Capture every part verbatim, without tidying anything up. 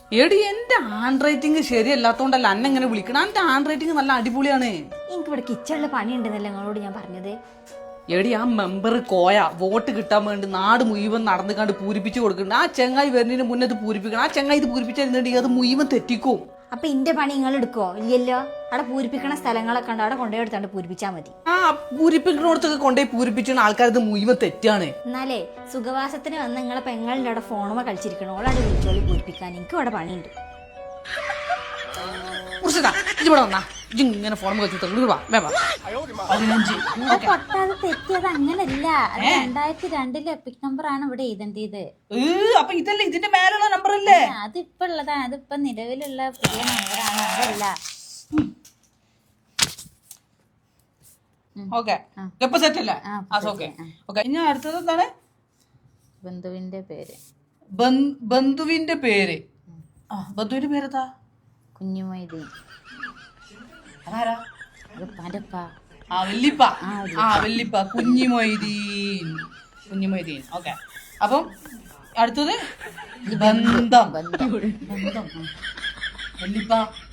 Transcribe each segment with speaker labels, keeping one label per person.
Speaker 1: എടി എന്റെ hand writing ശരിയല്ലാത്തോണ്ടല്ല അന്നെ ഇങ്ങനെ വിളിക്കണം. എന്റെ ഹാൻഡ് റൈറ്റിംഗ് നല്ല അടിപൊളിയാണ്.
Speaker 2: എനിക്ക് ഇവിടെ കിച്ചണില് പണിയുണ്ടെന്നല്ലേ നിങ്ങളോട് ഞാൻ പറഞ്ഞത്.
Speaker 1: എടി ആ മെമ്പർ കോയ വോട്ട് കിട്ടാൻ വേണ്ടി നാട് മുഴുവൻ നടന്നു കണ്ട് പൂരിപ്പിച്ചു കൊടുക്കുന്നുണ്ട്. ആ ചെങ്ങായി വരുന്നതിന് മുന്നേ ഇത് പൂരിപ്പിക്കണം. ആ ചെങ്ങായി ഇത് പൂരിപ്പിച്ചിരുന്നുണ്ടെങ്കിൽ അത് മുഴുവൻ തെറ്റിക്കും.
Speaker 2: അപ്പൊ ഇന്റെ പണി നിങ്ങൾ എടുക്കോ? ഇല്ലല്ലോ. അവിടെ പൂരിപ്പിക്കണ സ്ഥലങ്ങളൊക്കെ ഉണ്ട്, അവിടെ കൊണ്ടുപോയി എടുത്താണ്ട് പൂരിപ്പിച്ചാൽ മതി.
Speaker 1: ആ പൂരിപ്പിക്കണോടത്തൊക്കെ കൊണ്ടുപോയി പൂരിപ്പിച്ചാൽ ആൾക്കാരത് മുഴുവൻ തെറ്റാണ്.
Speaker 2: എന്നാലേ സുഖവാസത്തിന് വന്ന് നിങ്ങളെ പെങ്ങളുടെ അവിടെ ഫോണുമ കളിച്ചിരിക്കണം. ഓളാണ്ട് വിളിച്ചോളി പൂരിപ്പിക്കാൻ. എനിക്ക് അവിടെ പണിയുണ്ട്.
Speaker 1: ഇവിടെ വന്നാ ഇങ്ങനെ ഫോൺ പതിനഞ്ച്
Speaker 2: പൊട്ടാതെ തെറ്റിയത് അങ്ങനല്ല. അത് രണ്ടായിരത്തി രണ്ടിലെ എപ്പിക് നമ്പർ ആണ് ഇവിടെ എഴുതേണ്ടത്.
Speaker 1: അപ്പൊ ഇതല്ലേ ഇതിന്റെ മേലുള്ള നമ്പർ അല്ലേ?
Speaker 2: അതിപ്പോ ഉള്ളതാണ്. അതിപ്പോ നിലവിലുള്ള പുതിയ നമ്പറാണ്. അതല്ല.
Speaker 1: ഓക്കെ സെറ്റ് അല്ലേ? ഇനി അടുത്തത് എന്താണ്?
Speaker 2: ബന്ധുവിന്റെ പേര്.
Speaker 1: ബന്ധുവിന്റെ പേര് ആ ബന്ധുവിന്റെ പേരെന്താ?
Speaker 2: കുഞ്ഞുമൊയ്തീൻ.
Speaker 1: അതാരാ?
Speaker 2: ആ
Speaker 1: വല്ലിപ്പ. ആ വല്ലിപ്പ കുഞ്ഞിമൊയ്തീൻ. കുഞ്ഞിമൊയ്തീൻ. ഓക്കെ. അപ്പം അടുത്തത് ബന്ധം. ബന്ധം വല്ലിപ്പ.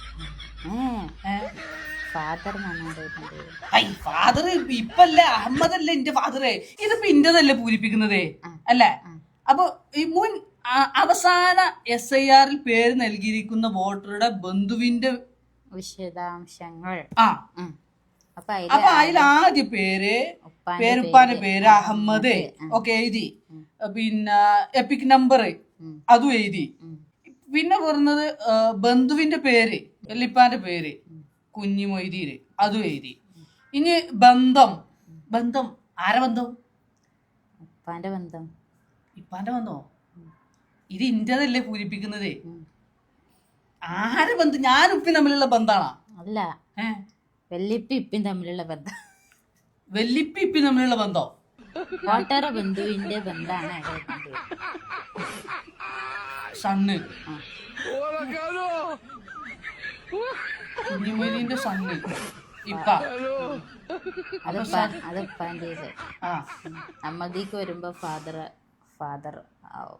Speaker 2: ഫാദർ
Speaker 1: ഫാദർ ഇപ്പല്ലേ അഹമ്മദല്ലേ എന്റെ ഫാദറ്. ഇതിപ്പോ ഇന്റതല്ലേ പൂരിപ്പിക്കുന്നത് അല്ലേ? അപ്പൊ ഈ മുൻ അവസാന എസ് ഐ ആറിൽ പേര് നൽകിയിരിക്കുന്ന വോട്ടറുടെ ബന്ധുവിന്റെ
Speaker 2: വിശദാംശങ്ങൾ.
Speaker 1: ആ അപ്പൊ അതിൽ ആദ്യ പേര് പേരുപ്പാന്റെ പേര് അഹമ്മദ് ഒക്കെ എഴുതി. പിന്നെ എപ്പിക് നമ്പർ അതും എഴുതി. പിന്നെ പറഞ്ഞത് ബന്ധുവിന്റെ പേര് വല്ലിപ്പാന്റെ പേര് കുഞ്ഞിമൊയ്തീൻ അതും എഴുതി. ഇനി ബന്ധം. ബന്ധം ആരെ ബന്ധം?
Speaker 2: ഉപ്പാന്റെ ബന്ധം.
Speaker 1: ഇപ്പാന്റെ ബന്ധോ? ഇത് ഇന്റതല്ലേ പൂരിപ്പിക്കുന്നത്. ആരെ ബന്ധം? ഞാനും ഉപ്പി തമ്മിലുള്ള ബന്ധാണോ?
Speaker 2: അല്ല, വെല്ലിപ്പി ഇപ്പിൻ തമ്മിലുള്ള ബന്ധം.
Speaker 1: വെല്ലിപ്പി ഇപ്പി തമ്മിലുള്ള ബന്ധോ?
Speaker 2: വോട്ടറ ബന്ധുവിന്റെ ബന്ധാണ്
Speaker 1: സണ്ണ്. കുഞ്ഞിമൊയ്തീന്റെ സണ്ണ് ഇപ്പ.
Speaker 2: അതിപ്പാൻ്റെ. നമ്മൾക്ക് വരുമ്പോ ഫാദർ ഫാദർ ആവും.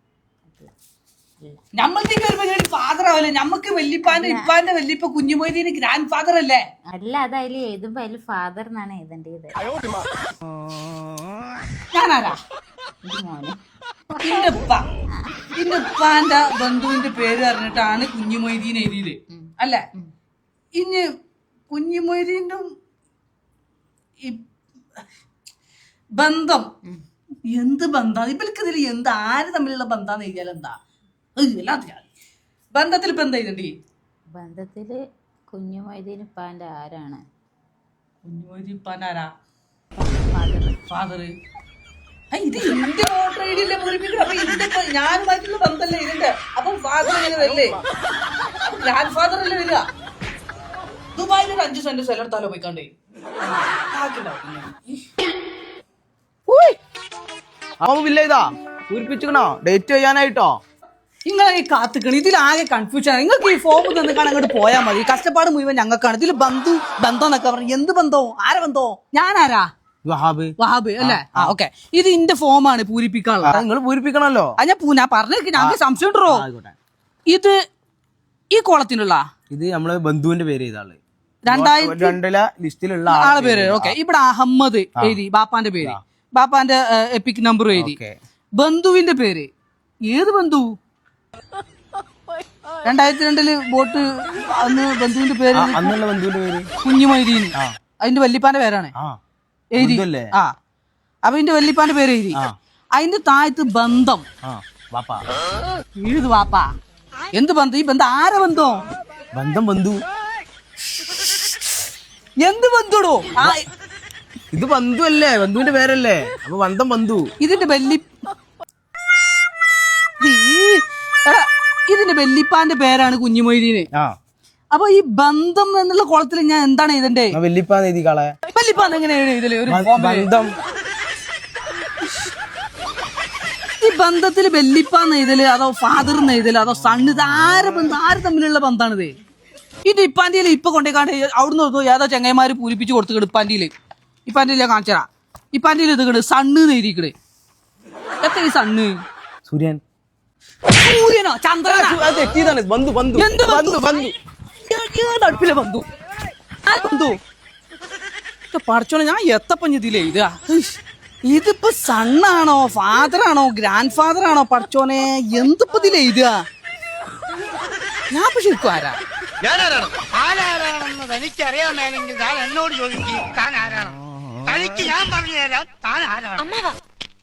Speaker 1: നമ്മൾക്ക് വരുമ്പോ ഫാദർ ആവില്ലേ? നമ്മക്ക് വല്ലിപ്പാന്റെ ഇപ്പാന്റെ വല്ലിപ്പ കുഞ്ഞിമൊയ്തീന് ഗ്രാൻഡ് ഫാദർ അല്ലേ?
Speaker 2: അല്ല, അത് അതിൽ എഴുതുമ്പോ അതിൽ ഫാദർ എന്നാണ് എഴുതേണ്ടത്.
Speaker 1: ഞാനാരാ?
Speaker 2: മോനെ.
Speaker 1: ഇന്റെ ഉപ്പ. ഇന്റെ ഉപ്പാന്റെ ബന്ധുവിന്റെ പേര് പറഞ്ഞിട്ടാണ് കുഞ്ഞിമൊയ്തീൻ എഴുതിയത് അല്ലേ? ഇനി കുഞ്ഞിമൊയ്തീന്റെ ബന്ധം എന്ത് ബന്ധം? ഇവർക്ക് ഇതിൽ എന്ത് ആര് തമ്മിലുള്ള ബന്ധാന്ന് എഴുതിയാൽ എന്താ? എല്ലാത്തിനും ബന്ധത്തിൽ ഇപ്പൊ എന്താ എഴുതണ്ടി?
Speaker 2: ബന്ധത്തില് കുഞ്ഞുമൊയ്തീൻ ഇപ്പാന്റെ ആരാണ്?
Speaker 1: കുഞ്ഞുമൊയ്തീൻ ഇപ്പാന്റെ ആരാ? ഫാദർ. ഇത് എന്റെ വോട്ടർ ഐ ഡി അല്ലേ പൂരിപ്പിക്കണം. അപ്പൊ ഇതിന്റെ ഞാനുമായിട്ടുള്ള ബന്ധമല്ലേ ഇതിന്റെ. അപ്പൊ ഫാദർ എങ്ങനെ വരില്ലേ? ഗ്രാൻഡ് ഫാദർ അല്ലേ വരിക? ദുബായിൽ ഒരു അഞ്ചു സെന്റ് സ്ഥലം എടുത്താലോ പോയിക്കാണ്ടേ?
Speaker 3: പൂരിപ്പിച്ചിക്കണോ? ഡേറ്റ് ചെയ്യാനായിട്ടോ?
Speaker 1: നിങ്ങളെ ഈ കാത്തിക്കണ ഇതിലാകെ കൺഫ്യൂഷൻ ആണ്. നിങ്ങൾക്ക് ഈ ഫോം തന്നിക്കാൻ അങ്ങോട്ട് പോയാൽ മതി. കഷ്ടപ്പാട് മുഴുവൻ ഞങ്ങൾക്കാണ്. ഇതിൽ ബന്ധു ബന്ധം എന്നൊക്കെ പറഞ്ഞു. എന്ത് ബന്ധവും ആരെ ബന്ധവും? ഞാനാരാ?
Speaker 3: വഹാബ്.
Speaker 1: വഹാബ് അല്ലേ? ആ ഓക്കെ. ഇത് ഇന്റെ ഫോമാണ് പൂരിപ്പിക്കാനുള്ളത്.
Speaker 3: നിങ്ങൾ പൂരിപ്പിക്കണല്ലോ.
Speaker 1: ഞാൻ ഞാൻ പറഞ്ഞേക്ക് ഞങ്ങൾക്ക് സംശയം ഉണ്ടോ? ഇത് ഈ കോളത്തിനുള്ള
Speaker 3: ഇത് നമ്മള് ബന്ധുവിന്റെ പേര് ചെയ്താള്
Speaker 1: രണ്ടായിരത്തി
Speaker 3: രണ്ടിലെ ലിസ്റ്റിലുള്ള
Speaker 1: ആളെ പേര്. ഓക്കെ. ഇവിടെ അഹമ്മദ് എഴുതി. ബാപ്പാന്റെ പേര്, ബാപ്പാന്റെ എപ്പിക് നമ്പർ എഴുതി. ബന്ധുവിന്റെ പേര് ഏത് ബന്ധു? രണ്ടായിരത്തി രണ്ടില് വോട്ട് അന്ന് ബന്ധുവിന്റെ പേര്
Speaker 3: അന്നുള്ള ബന്ധുവിന്റെ പേര്
Speaker 1: കുഞ്ഞിമൊയ്തീൻ. അതിന്റെ വല്ലിപ്പാന്റെ പേരാണ് എഴുതി. ആ അപ്പൊ ഇതിന്റെ വല്ലിപ്പാന്റെ പേര് എഴുതി. അതിന്റെ താഴത്ത് ബന്ധം എഴുതു. വാപ്പാ എന്ത് ബന്ധം? ഈ ബന്ധം ആരെ ബന്ധം?
Speaker 3: ബന്ധം ബന്ധു.
Speaker 1: എന്ത് ബന്ധുടോ?
Speaker 3: ഇത് ബന്ധു അല്ലേ? ബന്ധുവിന്റെ പേരല്ലേ? അപ്പൊ ബന്ധം ബന്ധു.
Speaker 1: ഇതിന്റെ വല്ലി ഇതിന്റെ വല്ലിപ്പാന്റെ പേരാണ് കുഞ്ഞിമൊയ്തീന്. അപ്പൊ ഈ ബന്ധം എന്നുള്ള കുളത്തിൽ ഞാൻ എന്താണ് ഇതിന്റെ
Speaker 3: വല്ലിപ്പാന്ന് എഴുതി കളെ.
Speaker 1: വല്ലിപ്പാന്ന് എങ്ങനെയാണ് ഇതില് ഒരു
Speaker 3: ബന്ധം?
Speaker 1: ഈ ബന്ധത്തിൽ വല്ലിപ്പാന്ന് എഴുതല് അതോ ഫാദർ എന്ന് എഴുതല് അതോ സണ്ണ്? ഇത് ആര് ബന്ധം? ആര് തമ്മിലുള്ള ബന്ധാണിത്? ഇത് ഇപ്പാന്റിയിൽ ഇപ്പൊ കൊണ്ടേക്കാണ്ട് അവിടുന്ന് ഏതോ ചെങ്ങന്മാര് പൂരിപ്പിച്ച് കൊടുത്തുകിട് ഇപ്പാന്റിയില്. ഇപ്പാന്റിയിലെ കാണിച്ചറാ. ഇപ്പാന്റിയിൽ ഇത് കിട് സണ്ണ് എഴുതിക്കട്. എത്ര ഈ സണ്ണ്?
Speaker 3: സൂര്യൻ.
Speaker 1: സൂര്യനോ ചന്ദ്രനോ?
Speaker 3: അത് തെറ്റിയതാണ്. ബന്ധു ബന്ധു
Speaker 1: എന്ത് ബന്ധു?
Speaker 3: ബന്ധു ബന്ധു
Speaker 1: ഏത് അടുപ്പിലെ ബന്ധു? ആ ബന്ധു പഠിച്ചോളെ ഞാൻ എത്തപ്പഞ്ഞതില്ലേ ഇത് ഇതിപ്പോ സണ്ണാണോ ഫാദറാണോ ഗ്രാൻഡ് ഫാദറാണോ പഠിച്ചോനെ എന്തിപ്പോ ഇതിലേ ഇത് ഞാൻ ഇപ്പൊ ശരിക്കും ആരാ
Speaker 4: ആരാരാണെന്ന് തനിക്കറിയാൻ മേലെങ്കിൽ താൻ എന്നോട് ചോദിക്കും താൻ ആരാണ് തനിക്ക് ഞാൻ പറഞ്ഞു തരാം താൻ ആരാണ്